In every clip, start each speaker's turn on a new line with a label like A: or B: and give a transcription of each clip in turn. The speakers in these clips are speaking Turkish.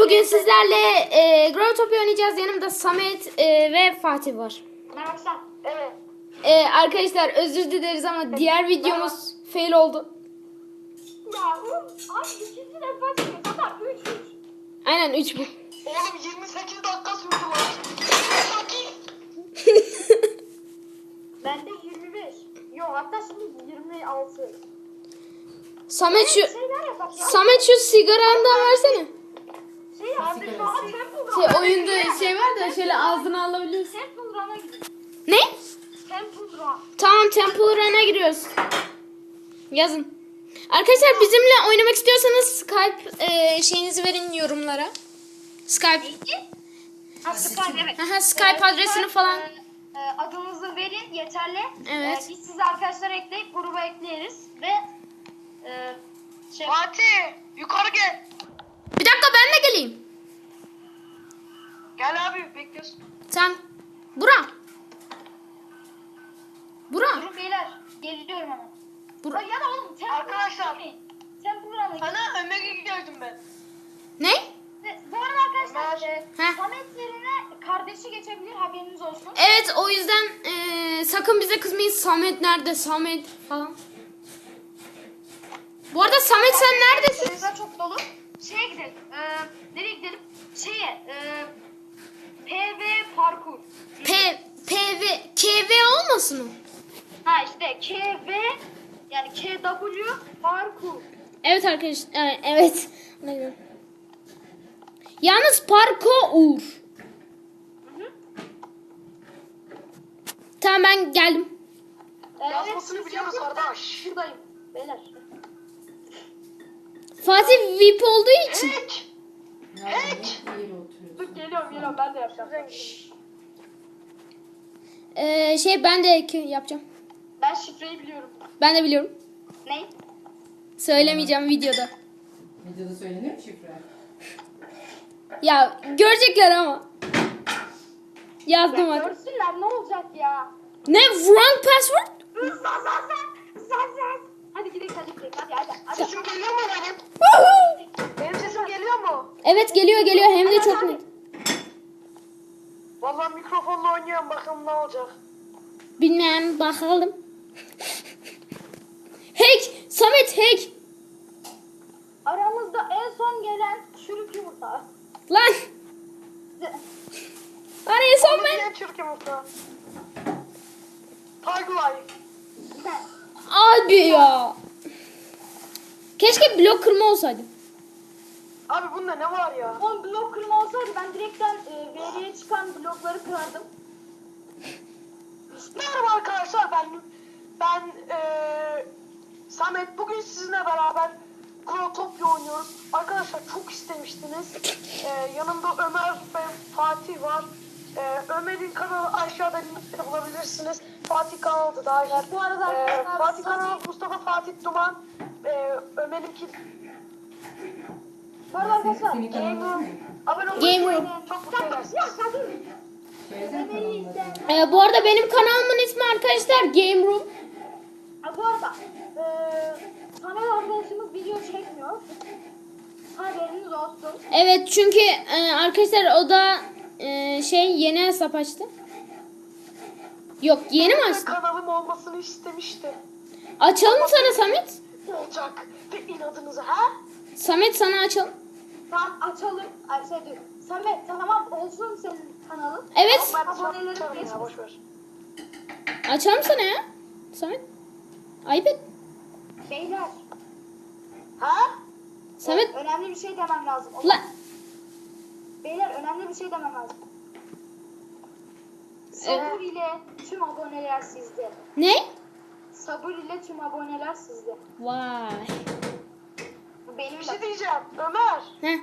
A: bugün sizlerle Growtopia oynayacağız. Yanımda Samet ve Fatih var.
B: Merhaba. Evet.
A: Arkadaşlar özür dileriz ama diğer videomuz fail oldu.
B: Ya abi ikinci defa çekiyor. Zaten 3-3.
A: Aynen 3 bu.
C: Oğlum 28 dakika sürdü lan. 28.
B: Bende 25. Yok hatta şimdi 26.
A: Samet şu
B: Şeyler yapak ya.
A: Samet şu sigarandan versene.
B: Şey yaptık. Temple
A: Oyunda şey var da şöyle ağzına alabiliyorsun.
B: Temple Run'a gidiyor.
A: Ne?
B: Temple Run.
A: Tamam Temple Run'a giriyoruz. Yazın. Arkadaşlar bizimle oynamak istiyorsanız Skype şeyinizi verin yorumlara. Skype.
B: Ha, Skype evet.
A: Aha, Skype adresini falan.
B: Adınızı verin yeterli.
A: Evet.
B: Biz sizi arkadaşlar ekleyip gruba ekleriz ve
C: Fatih yukarı gel.
A: Bir dakika ben de geleyim.
C: Gel abi bekliyorsun.
A: Sen Burak. Burak.
B: durun beyler geliyorum hemen.
A: Burak.
B: Ya da oğlum Temple
C: Arkadaşlar.
B: Temple Run'a gidiyor.
C: Sana Ömer'e gördüm ben.
A: Ne?
B: Bu arada arkadaşlar
A: Heh.
B: Samet yerine kardeşi geçebilir haberiniz olsun.
A: Evet o yüzden sakın bize kızmayın. Samet nerede? Samet falan. Bu arada Samet sen neredesin?
B: Sırada çok dolu. Şeye gidelim. Nereye gidelim? PV parkur.
A: PV KV olmasın o?
B: Ha işte KV yani KW parkur.
A: Evet arkadaşlar. Evet. Yalnız parkour. Tamam ben geldim.
C: Yazmasını
B: siz
C: biliyoruz
B: yapın,
C: kardeş.
B: ben Şuradayım. Beyler.
A: Fatih VIP olduğu için.
C: Hack.
B: Dur geliyorum ben de yapacağım.
A: Ben de yapacağım.
B: Ben şifreyi biliyorum.
A: Ben de biliyorum.
B: Ne?
A: Söylemeyeceğim videoda.
D: Videoda söylenir mi şifre?
A: Ya görecekler ama. Yazdım hadi.
B: Görsünler ne olacak ya?
A: Ne? Wrong password?
B: Sen. Hadi gidelim hadi.
C: Sesim geliyor mu benim? Benim sesim geliyor mu?
A: Evet geliyor hem de çok net.
C: Vallahi mikrofonla oynuyorum bakalım ne olacak.
A: Bilmem bakalım. Hack! Samet hack!
B: Aramızda en son gelen çürük yumurta.
A: Lan! Araya son ben.
C: Niye Türkiye mutlu? Tag life.
A: Abi ya. Keşke blok kırma olsaydı.
C: Abi bunda ne var ya?
B: 10 blok kırma olsaydı ben direkten veriye çıkan blokları kırardım.
C: Merhaba arkadaşlar ben Samet bugün sizinle beraber Growtopia oynuyoruz. Arkadaşlar çok istemiştiniz. Yanımda Ömer ve Fatih var. Ömer'in kanalı aşağıda linkte bulabilirsiniz. Fatih kanalı da dahil.
B: Bu arada arkadaşlar,
C: Fatih kanalı Mustafa Fatih Duman. Ömer'inki
B: Bu arada arkadaşlar.
D: Senin kanalın var mı?
C: abone olmayı
A: Game Room.
C: çok mutlu edersiniz.
D: Söylesene kanalını.
A: Bu arada benim kanalımın ismi arkadaşlar Game Room.
B: Bu arada Samet arkadaşımız video çekmiyor. Haberiniz olsun.
A: Evet çünkü arkadaşlar o da yeni hesap açtı. Yok yeni mi açtı?
C: Kanalım olmasını istemiştim.
A: Açalım mı sana Samet?
C: Olacak. Ve inadınıza ha?
A: Samet sana açalım.
B: Tamam açalım. Ay şey diyor. Samet tamam olsun senin kanalın.
A: Evet.
C: Ben
B: Abonelerim
C: açarım ya
B: geçmesin.
C: boşver.
A: Açalım sana ya. Samet. Ayıp et.
B: Beyler.
C: Ha?
A: Samet.
B: Önemli bir şey demem lazım.
A: Lan.
B: Beyler önemli bir şey demem lazım. Sabır ile tüm aboneler sizde.
A: Ne?
B: Sabır ile tüm aboneler sizde.
A: Vay.
B: Bu benim
C: Bir
B: de.
C: şey diyeceğim. Ömer.
A: Heh.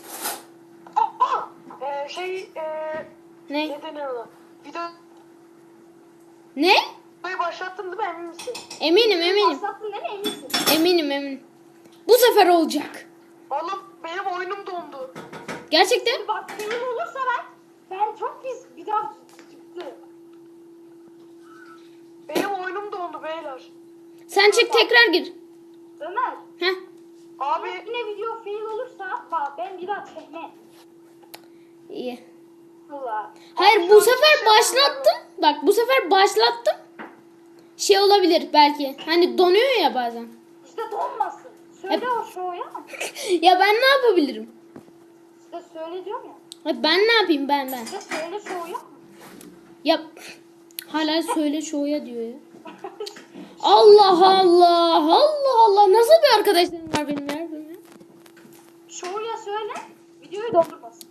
A: Ne?
C: Ne denir ona? Videoyu
A: Ne?
C: başlattın değil mi emin misin?
A: Eminim.
B: Başlattın değil mi eminsin?
A: Eminim. Bu sefer olacak.
C: Oğlum benim oyunum dondu.
A: Gerçekten?
B: Bak senin olursa ben çok pis bir daha çıktı.
C: Benim oyunum dondu beyler.
A: Sen çık tekrar gir.
B: Ömer
A: Heh.
C: Abi
B: Yine video fail olursa bak ben bir daha çekmem.
A: İyi.
B: Valla.
A: Hayır bu sefer başlattım. Bak bu sefer başlattım. Şey olabilir belki. Hani donuyor ya bazen.
B: İşte donmasın. Söyle o şoya.
A: Ya ben ne yapabilirim?
B: İşte söyle diyorum ya.
A: Ya ben ne yapayım ben?
B: İşte söyle şoya.
A: Ya hala söyle şoya diyor ya. Allah Allah. Allah Allah. Nasıl bir arkadaşlarım var benim ya?
B: Şoya söyle. Videoyu dondurmasın.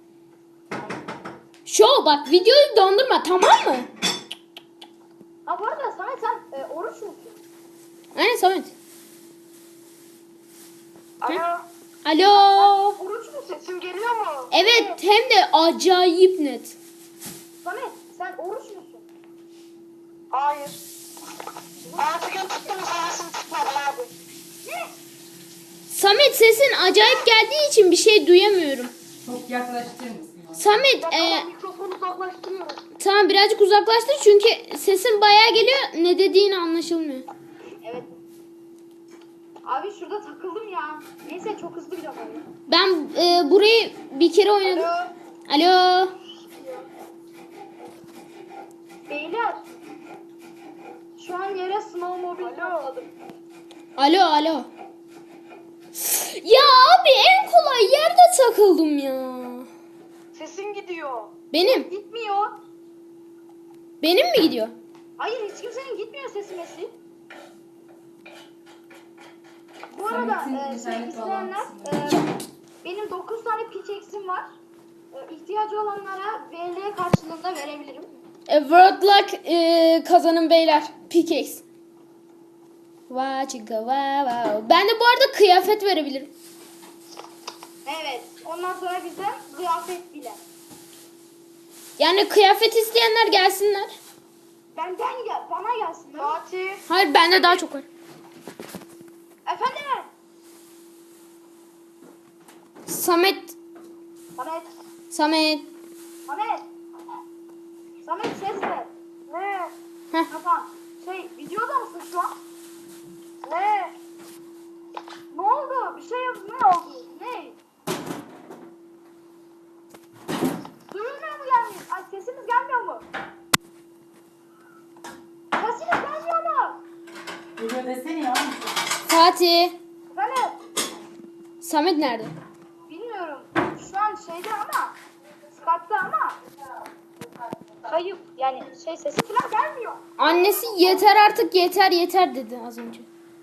A: Şov bak videoyu dondurma tamam mı?
B: Ha bu arada Samet sen oruç musun?
A: Aynen Samet.
C: alo.
A: Alo.
C: Oruç mu, sesim geliyor mu?
A: Evet hem de acayip net.
B: Samet sen oruç musun?
C: Hayır. Artık tuttum sayesini tutmadı abi.
B: Ne?
A: Samet sesin acayip geldiği için bir şey duyamıyorum.
D: Çok yaklaştırır mısın?
A: Samet
C: Tamam, mikrofonu uzaklaştırıyorum.
A: tamam birazcık uzaklaştır çünkü sesin bayağı geliyor. Ne dediğin anlaşılmıyor.
B: Evet. Abi şurada takıldım ya. Neyse çok hızlı gidiyorum öyle.
A: Ben burayı bir kere oynadım.
C: Alo.
A: Alo.
B: Beyler. Şu an yere snowmobile topladım.
A: Alo alo. Ya abi en kolay yerde takıldım ya.
C: Sesin gidiyor.
A: Benim.
B: Gitmiyor.
A: Benim mi gidiyor?
B: Hayır hiç kimsenin gitmiyor sesi mesi. Bu arada
D: Samet'in
B: şey
D: internet
B: isteyenler
D: bağlantısı
B: benim 9 tane pickaxe'im var. İhtiyacı olanlara VL karşılığında verebilirim.
A: World Luck kazanın beyler. Pickaxe. Wow. Ben de bu arada kıyafet verebilirim.
B: Evet. Ondan sonra bizden kıyafet bile.
A: Yani kıyafet isteyenler gelsinler.
B: Benden gel, bana gelsin.
C: Fatih.
A: Hayır bende daha çok var.
B: Efendim?
A: Samet.
B: Samet.
A: Samet.
B: Samet. Samet ses ver.
C: Ne?
A: Heh.
B: Tamam. Videoda mısın şu an?
C: Ne?
B: Ne oldu? Bir şey ne oldu? Ne? Duyulmuyor mu gelmiyor? Ay sesimiz gelmiyor mu? Sesimiz gelmiyor mu?
D: Geliyor desene ya.
A: Fatih.
B: Efendim?
A: Samet nerede?
B: Bilmiyorum. Şu an şeyde ama Skype'da ama kayıp yani sesi falan gelmiyor.
A: Annesi yeter artık yeter dedi az önce.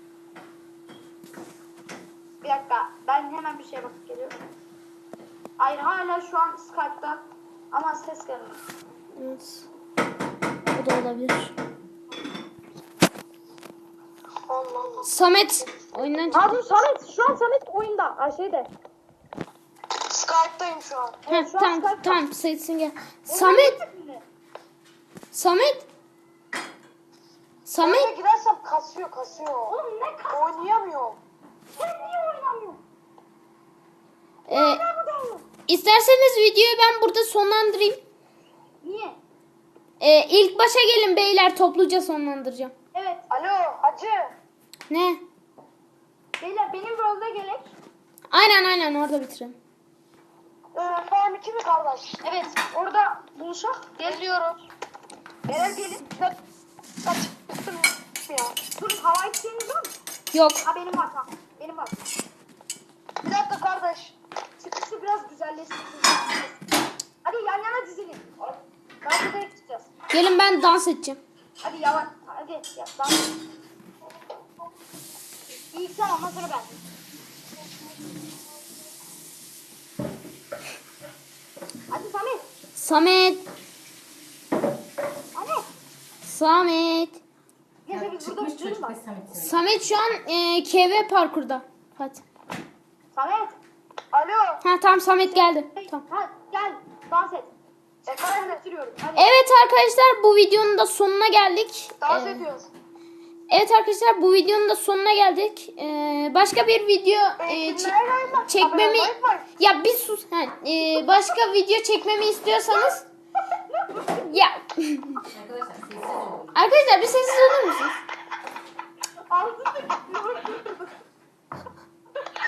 B: Bir dakika ben hemen bir şeye bakıp geliyorum. Hayır hala şu an Skype'da ama ses gelmiyor.
A: Evet. O da olabilir.
C: Allah Allah.
A: Samet oyundan çıktı.
B: Ha dur Samet şu an Samet oyunda. Ay şeyde.
C: Skype'dayım şu an.
B: Evet, şu an
A: Tamam
B: Skype'da.
A: tamam sesin gel. Samet. Samet.
C: Oraya
A: Samet.
C: gidersem kasıyor.
B: Oğlum ne kas?
C: Oynayamıyorum.
B: Sen niye oynamıyorsun?
A: Ee,
B: Ben buradayım.
A: isterseniz videoyu ben burada sonlandırayım.
B: Niye?
A: İlk başa gelin beyler topluca sonlandıracağım.
B: Evet.
C: Alo hacı.
A: Ne?
B: Beyler benim rolde gerek.
A: Aynen orada bitirelim.
C: Farm 2 mi kardeş?
B: Evet. Orada buluşak. Geliyoruz. Beyler gelin.
C: Kaç. Ya.
B: Dur hava isteğiniz var mı?
A: Yok.
B: Ha benim var tamam. Benim var.
C: Bir dakika kardeş.
B: Çıkışı biraz güzelleştirsin. Hadi yan yana dizilin. Dans ederek çıkacağız.
A: Gelin ben dans edeceğim.
B: Hadi yavaş. Hadi ya, dans. İlk sen ondan sonra ben. Hadi Samet.
A: Samet.
B: Samet.
A: Samet.
B: Neyse biz burada
D: Çıkmış
B: bitirelim
D: çocuk
B: bak.
D: ve Samet.
A: Samet şu an KV parkurda. Hadi.
B: Samet.
C: Alo.
A: Ha tamam Samet geldi. Tamam.
B: Ha, gel dans et.
C: Efendim.
B: Bitiriyorum. Hadi.
A: Evet arkadaşlar bu videonun da sonuna geldik.
C: Dans ediyoruz.
A: Evet arkadaşlar bu videonun da sonuna geldik. Başka bir video çekmemi ya bir sus. Başka video çekmemi istiyorsanız ya
D: Arkadaşlar sessiz olun.
A: arkadaşlar bir sessiz olur musunuz?
B: Ağzını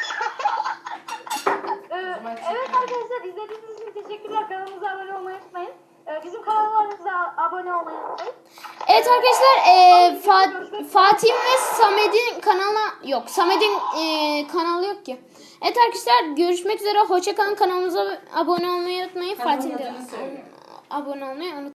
B: arkadaşlar izlediğiniz için teşekkürler. Kanalımıza abone olmayı unutmayın. Bizim kanallarımıza abone olmayı unutmayın.
A: Evet arkadaşlar Fatih ve Samet'in kanalına yok. Samet'in kanalı yok ki. Evet arkadaşlar görüşmek üzere. Hoşça kalın. Kanalımıza abone olmayı unutmayın.
D: Kanalın
A: Fatih'in de
D: adını söyle.
A: abone olmayı unutmayın.